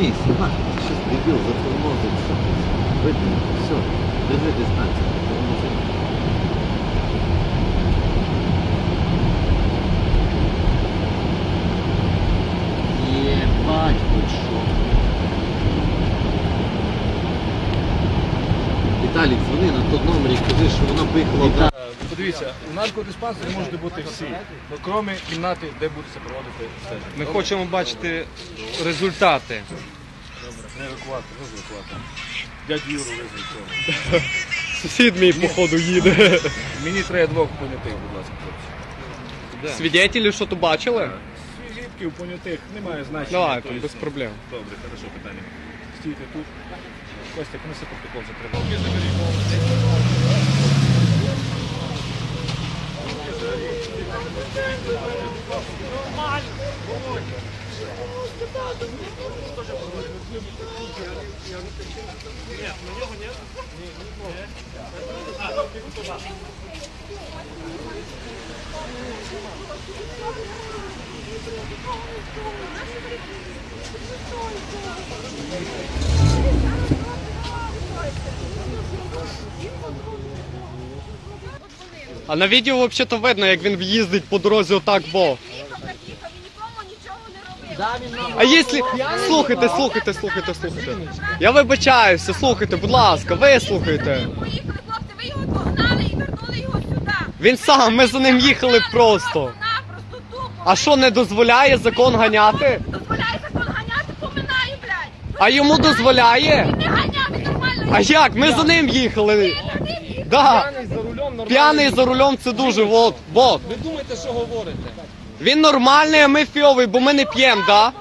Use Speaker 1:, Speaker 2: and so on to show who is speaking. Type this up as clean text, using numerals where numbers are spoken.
Speaker 1: Сними, снимай. Сейчас дебил затормозит, все. Выпил, все. Держи дистанцию. Ебать, хоть шо. Віталік, дзвони на той номер і кажи, що вона поїхала.
Speaker 2: Подивіться, у наркодиспансері можуть бути всі, крім кімнати, де будете проводити стеження.
Speaker 3: Ми хочемо бачити результати.
Speaker 2: Добре, не евакуатор, не евакуатор. Дядь Юру визвіть цього.
Speaker 3: Сусід мій, походу, їде.
Speaker 2: Мені треба двох понятих, будь ласка, хлопці.
Speaker 3: Свідетелі, що то бачили?
Speaker 2: Свідків, понятих, немає значення.
Speaker 3: Давай,
Speaker 2: Тобто,
Speaker 3: без проблем.
Speaker 2: Добре, хорошо, питання. Стійте тут. Костя, неси протокол за тривогу.
Speaker 3: А на відео взагалі видно, як він їздить по дорозі отак, бо. А якщо... Слухайте. Я вибачаюся, слухайте, будь ласка, ви слухайте.
Speaker 4: Поїхали, хлопці, ви його догнали і вернули його сюди.
Speaker 3: Він сам, ми за ним їхали просто.
Speaker 4: Напросто тупо.
Speaker 3: А що, не дозволяє закон ганяти?
Speaker 4: Дозволяє закон ганяти, поминаю, блядь.
Speaker 3: А йому дозволяє?
Speaker 4: Не ганяти нормально.
Speaker 3: А як? Ми за ним їхали. Да. П'яний за рулем це дуже, вот.
Speaker 5: Ви думаєте, що говорите?
Speaker 3: Він нормальний, а ми фіовий, бо ми не п'ємо, да?